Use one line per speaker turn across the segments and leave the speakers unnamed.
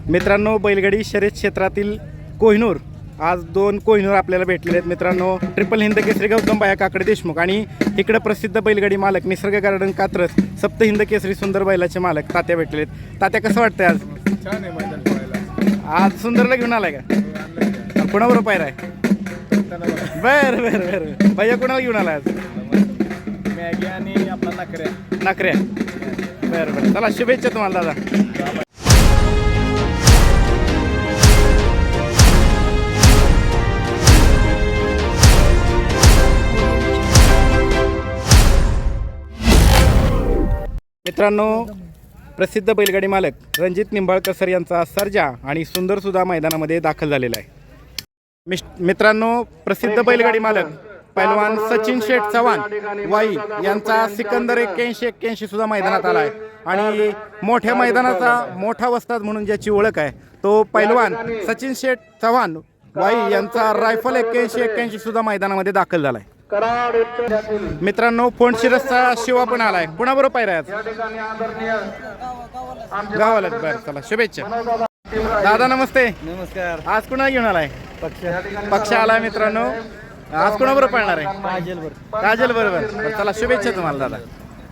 मित्रांनो, बैलगाडी शर्यत क्षेत्रातील कोहिनूर, आज दोन कोहिनूर आपल्याला भेटलेले आहेत मित्रांनो. ट्रिपल हिंद केसरी गौतम बाया काकडे देशमुख आणि इकडे प्रसिद्ध बैलगाडी मालक निसर्ग गार्डन कात्रज सप्त हिंद केसरी सुंदर बैलाचे मालक तात्या भेटलेले आहेत. तात्या, कसं वाटतंय आज?
छान आहे मैदान पळायला.
आज सुंदरला घेऊन आलाय का? कोणाबरोबर पायरा आहे? बरं बरं बरं. भैया कोणाला घेऊन आलाय आज?
मॅगी आणि आपला नकऱ्या.
नकऱ्या. बरं बरं, चला शुभेच्छा तुम्हाला दादा. मित्रांनो, प्रसिद्ध बैलगाडी मालक रणजित निंबाळकर सर यांचा सर्जा आणि सुंदरसुद्धा मैदानामध्ये दाखल झालेला आहे. मित्रांनो, प्रसिद्ध बैलगाडी मालक पैलवान सचिन शेठ चव्हाण वाई यांचा सिकंदर 81 सुद्धा मैदानात आला आहे आणि मोठ्या मैदानाचा मोठा वस्ताद म्हणून ज्याची ओळख आहे तो पैलवान सचिन शेठ चव्हाण वाई यांचा रायफल 81 सुद्धा मैदानामध्ये दाखल झाला आहे. मित्रांनो, फोंडशिरसचा शिवा पण आलाय. कुणाबरोबर पायरा गावाला? बरं, चला शुभेच्छा दादा. नमस्ते.
नमस्कार.
आज कुणा घेऊन आलाय? पक्ष आलाय. मित्रांनो, आज कुणाबरोबर पाळणार आहे? काजल बरोबर. चला शुभेच्छा तुम्हाला दादा.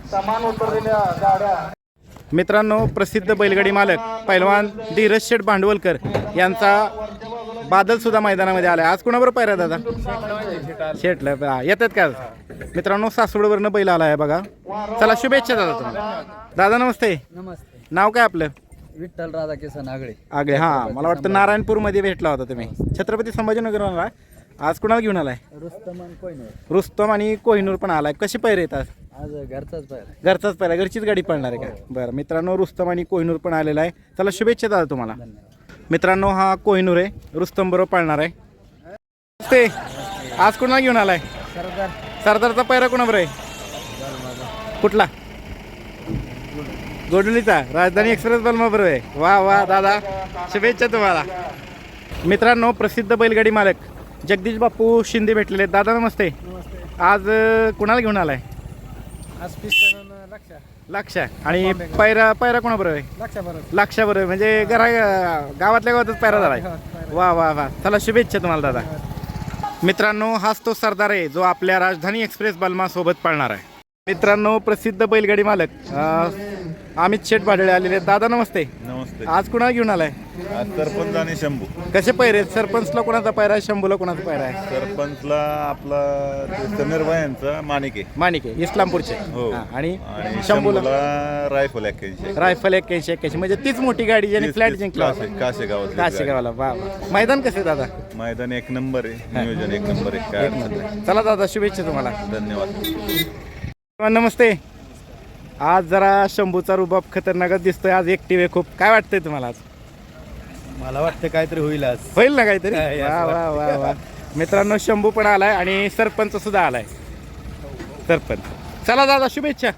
मित्रांनो, प्रसिद्ध बैलगाडी मालक पैलवान धीरज शेठ भांडवलकर यांचा बादल सुद्धा मैदानामध्ये आलाय. आज कुणाबरोबर पायरा दादा? शेठला येतात का? मित्रांनो, सासवडवरनं बैल आलाय बघा. चला शुभेच्छा दादा तुम्हाला. दादा नमस्ते.
नमस्ते.
नाव काय आपलं?
विठ्ठल राधाकिसन आगळे.
आगळे. हां, मला वाटतं नारायणपूरमध्ये भेटला होता तुम्ही. छत्रपती संभाजीनगरला. आज कुणाला घेऊन आलाय? रुस्तम आणि कोहिनूर पण आलाय. कशी पैरे येतात?
आज घरचाच पाहिजे.
घरचाच पैरा, घरचीच गाडी पळणार आहे का? बरं मित्रांनो, रुस्तम आणि कोहिनूर पण आलेला आहे. चला शुभेच्छा दादा तुम्हाला. मित्रांनो, हा कोहिनूर आहे, रुस्तम बरोबर पाळणार आहे. ते आज कुणाला घेऊन आलाय? सरदारचा पैरा कुणाबरोबर आहे? कुठला? गोडुलीचा राजधानी एक्सप्रेस बलमा बरोबर आहे. वा वा दादा, शुभेच्छा तुम्हाला. मित्रांनो, प्रसिद्ध बैलगाडी मालक जगदीश बापू शिंदे भेटलेले आहेत. दादा नमस्ते. आज कुणाला घेऊन आलाय?
आज पिस्टन
लक्ष आणि पैरा कोणाबरोबर आहे? लक्षाबरोबर. म्हणजे गावातल्या गावातच पैरा झालाय. वा वा वा, चला शुभेच्छा तुम्हाला दादा. मित्रांनो, हाच तो सरदार आहे जो आपल्या राजधानी एक्सप्रेस बलमा सोबत पाळणार आहे. मित्रांनो, प्रसिद्ध बैलगाडी मालक अमित शेठ भाडळे आलेले आहेत. दादा नमस्ते.
नमस्ते.
आज कुणाला घेऊन आलाय?
आज सरपंच आणि शंभू.
कसे पैरे? सरपंचला कोणाचा पैरा आहे? शंभूला कोणाचा पैरा आहे?
सरपंचला आपला समीरभाई यांचा माणिक
माणिके इस्लामपूरचे.
हो.
आणि
शंभूला रायफल 81.
रायफल 81 म्हणजे तीच मोठी गाडी ज्याने फ्लॅट जिंकला काशेगावला. वा वा. मैदान कसे दादा?
मैदान एक नंबर आहे, नियोजन एक नंबर आहे. काय अडचण नाही.
चला दादा, शुभेच्छा तुम्हाला.
धन्यवाद.
नमस्ते. आज जरा शंभूचा रुबाब खतरनाकच दिसतोय. आज एकटी वे खूप. काय वाटतंय तुम्हाला आज?
मला वाटतं काहीतरी होईल आज.
होईल ना काहीतरी? वा वा वा वा. मित्रांनो, शंभू पण आलाय आणि सरपंच सुद्धा आलाय. सरपंच. चला दादा, शुभेच्छा.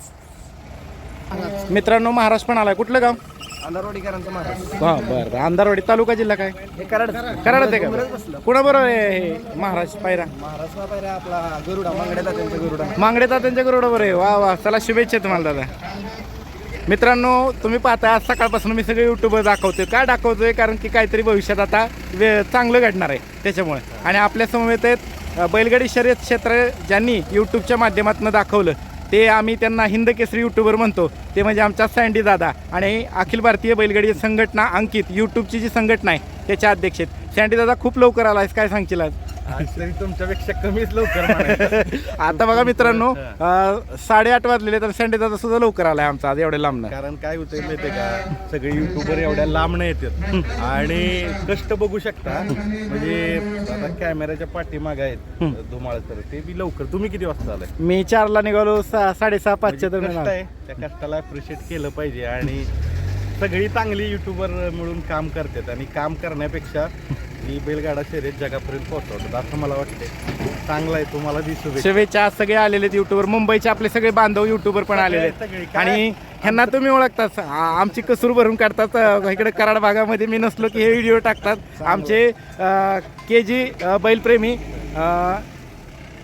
मित्रांनो, महाराष्ट्र पण आलाय. कुठलं गाव?
अंधारवाडीकरांचा महाराज.
हा बरं. अंधारवाडी तालुका जिल्हा काय? कराड आहे का? कुणाबरोबर आहे हे महाराष्ट्र पायरा?
महाराष्ट्र पायरा आपला गरुडा मांगडेला त्यांचा गरुडा.
मांगडेता त्यांच्या गरुडावर आहे. वा वा, चला शुभेच्छा तुम्हाला दादा. मित्रांनो, तुम्ही पाहता आज सकाळपासून मी सगळे यूट्यूबवर दाखवतोय. काय दाखवतोय? कारण की काहीतरी भविष्यात आता चांगलं घडणार आहे त्याच्यामुळे. आणि आपल्या समवेत आहेत बैलगाडी शर्यत क्षेत्र ज्यांनी यूट्यूबच्या माध्यमातून दाखवलं ते आम्ही त्यांना हिंद केसरी यूट्यूबर म्हणतो. ते म्हणजे आमचा सँडी दादा आणि अखिल भारतीय बैलगाडी संघटना अंकित यूट्यूबची जी संघटना आहे त्याच्या अध्यक्ष आहेत. सँडी दादा, खूप लवकर आलायस. काय सांगशील आज?
तरी तुमच्यापेक्षा कमीच लवकर.
आता बघा मित्रांनो, 8:30 वाजलेले तर सँडी दादा सुद्धा लवकर आलाय आमचा आज एवढ्या लांबनं.
कारण काय होतंय माहितीये का, सगळे युट्यूबर एवढ्या लांबनं येतात आणि कष्ट बघू शकता. म्हणजे आता कॅमेऱ्याच्या पाठीमागे आहेत धुमाळ सर, ते बी लवकर. तुम्ही किती वाजता आलाय?
मी 4ला निघालो, 6:30-5च्या दरम्यान.
कष्ट आहे, त्या कष्टाला अप्रिशिएट केलं पाहिजे. आणि सगळी चांगली युट्यूबर मिळून काम करतात आणि काम करण्यापेक्षा ही बैलगाडा शर्यत जगापर्यंत पोहोचवतात असं मला वाटते. चांगला आहे, तुम्हाला दिसू.
शुभेच्छा. सगळे आलेले आहेत युट्यूबर. मुंबईचे आपले सगळे बांधव युट्यूबर पण आलेले आहेत आणि ह्यांना तुम्ही ओळखतात. आमची कसूर भरून काढतात. इकडे कराड भागामध्ये मी नसलो की हे व्हिडिओ टाकतात. आमचे KG बैलप्रेमी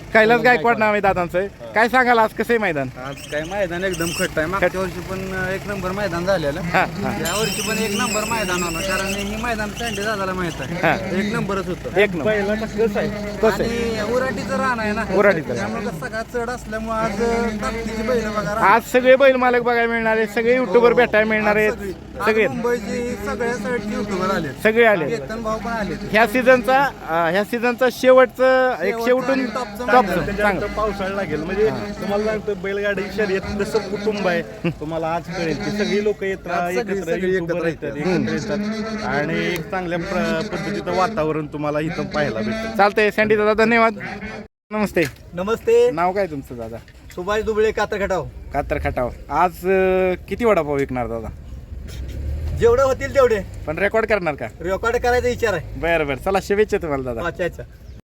कैलास गायकवाड नाव आहे दादांचं. काय सांगाल आज कसं आहे मैदान?
आज काय मैदान एकदम खट्ट आहे. मागच्या वर्षी पण एक नंबर मैदान झालेलं.
हा हा
या वर्षी पण एक नंबर मैदान होणार, कारण ही मैदान सँडे दादाला माहित
हा.
आहे. एक नंबरच होतं.
एक नंबर.
पहिला कसं आहे
कसं आहे?
आणि उराटीचं रान आहे ना,
उराटीचं रान.
त्यामुळे सगळा चढ असल्यामुळे आज ताकदीची बैल बघा रान.
आज सगळे बैल मालक बघायला मिळणार आहेत, सगळे युट्यूबर भेटायला मिळणार आहेत.
सगळी. आज
सगळे
मुंबईची सगळ्या साईडची युट्यूबर आले.
सगळे आले.
केतन भाऊ पण आले.
ह्या सीझनचा शेवटचं एक शेवटून
टॉपचं
टॉपचं
त्याच्यानंतर
सांग.
पावसाळा लागेल म्हणजे तुम्हाला सांगतो बैलगाडी शर्यत जसं कुटुंब आहे तुम्हाला आज कळेल की सगळी लोक
आज सगळी
एकत्र
एकत्र
येतात एकत्र येतात आणि एक चांगल्या पद्धतीचं वातावरण तुम्हाला इथं पाहायला भेटतं.
चालतंय सँडी दादा, धन्यवाद. नमस्ते.
नमस्ते.
नाव काय तुमचं दादा?
सुभाष दुबळे कातर खटाव.
कातर खटाव. आज किती वडापाव विकणार दादा?
जेवढे होतील तेवढे
पण रेकॉर्ड करणार का?
रेकॉर्ड करायचा विचार आहे.
बरं बरं, चला शुभेच्छा तुम्हाला दादा.
वाचायचा.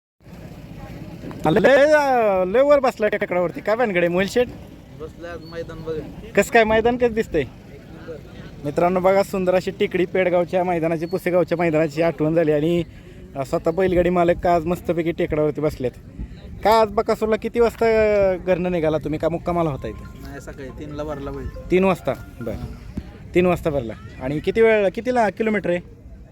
लय वर बसलाय टेकडावरती. काय भानगडे मोहिल शेठ?
बसल्या मैदान बघ.
कसं काय मैदान कसं दिसतंय मित्रांनो? बघा, सुंदर अशी टेकडी पेडगावच्या मैदानाची, पुसेगावच्या मैदानाची आठवण झाली आणि स्वतः बैलगाडी मालक का आज मस्तपैकी टेकडावरती बसलेत. का आज बकासूरला किती वाजता घरनं निघाला तुम्ही? का मुक्कामाला होता इथं?
नाही, सकाळी 3ला भरला बैल.
3 वाजता. बरं, 3 वाजता भरला. आणि किती वेळ, कितीला किलोमीटर आहे?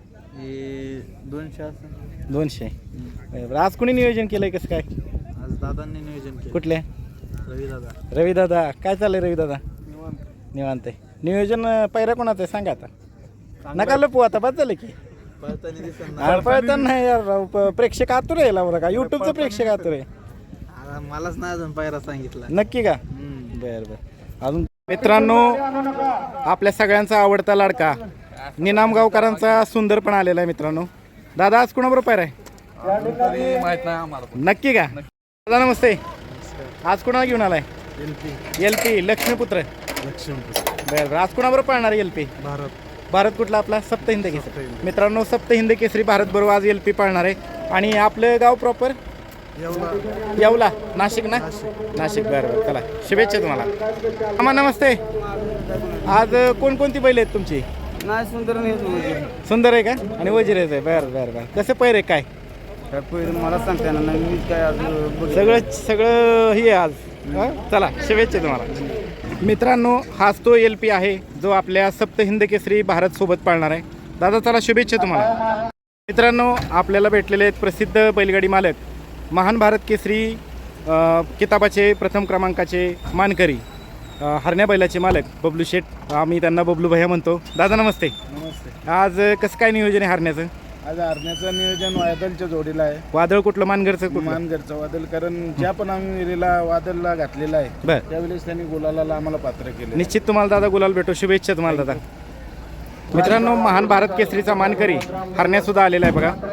हे 200 असं.
200. बरं, आज कोणी नियोजन केलंय कसं काय?
आज दादांनी नियोजन केलं.
कुठले?
रवी दादा.
रवी दादा. काय चाललंय रवी दादा? निवांत आहे. नियोजन पायऱ्या कोणाचं आहे सांगा आता. नका लपू आता, बस झालं की.
पळताना दिसत
अरे पळताना नाही यार राव, प्रेक्षक आतुर आहे बरं का, युट्यूबचं प्रेक्षक आतुर आहे.
मलाच नाही अजून पायरा सांगितला.
नक्की का? बरं बरं. अजून मित्रांनो, आपल्या सगळ्यांचा आवडता लाडका निनामगावकरांचा सुंदर पण आलेला आहे मित्रांनो. दादा आज कोणाबरोबर पायरा आहे?
माहित नाही आम्हाला.
नक्की का? दादा नमस्ते. आज कोणाला घेऊन आलाय? LP लक्ष्मीपुत्र. बरं बरं. आज कोणाबरोबर पाळणार LP? भारत कुठला आपला? सप्त हिंद केसरी. मित्रांनो, सप्त हिंद केसरी भारत बरोबर आज LP पाळणार आहे. आणि आपलं गाव प्रॉपर येवला, नाशिक ना? नाशिक. बरं बरं, चला शुभेच्छा तुम्हाला. आम्हा नमस्ते. आज कोणकोणती बैल आहेत तुमची?
नाही, सुंदर नाही.
सुंदर आहे का? आणि वजीर आहे. बरं बरं बरं. कसं पैर काय?
मला सांगता ना, मी काय आज
सगळं हे आज. चला शुभेच्छा तुम्हाला. मित्रांनो, हाच तो LP आहे जो आपल्या सप्त हिंद केसरी भारत सोबत पाळणार आहे. दादा चला शुभेच्छा तुम्हाला. मित्रांनो, आपल्याला भेटलेले आहेत प्रसिद्ध बैलगाडी मालक, महान भारत केसरी किताबाचे प्रथम क्रमांकाचे मानकरी, हरण्या बैलाचे मालक बबलू शेठ. आम्ही त्यांना बबलू भैया म्हणतो. दादा नमस्ते.
नमस्ते.
आज कसं काय नियोजन आहे हरण्याचं?
आज हरण्याचं नियोजन वादलच्या जोडीला आहे.
वादळ कुठलं? मानगरचं कुठलं?
मानगरचं वादल, कारण ज्या पण आम्ही विहिरीला वादलला घातलेला आहे
बरं,
त्यावेळेस त्यांनी गुलाला आम्हाला पात्र केले.
निश्चित तुम्हाला दादा गुलाल भेटो. शुभेच्छा तुम्हाला दादा. मित्रांनो, महान भारत केसरीचा मानकरी हरण्या सुद्धा आलेला आहे बघा.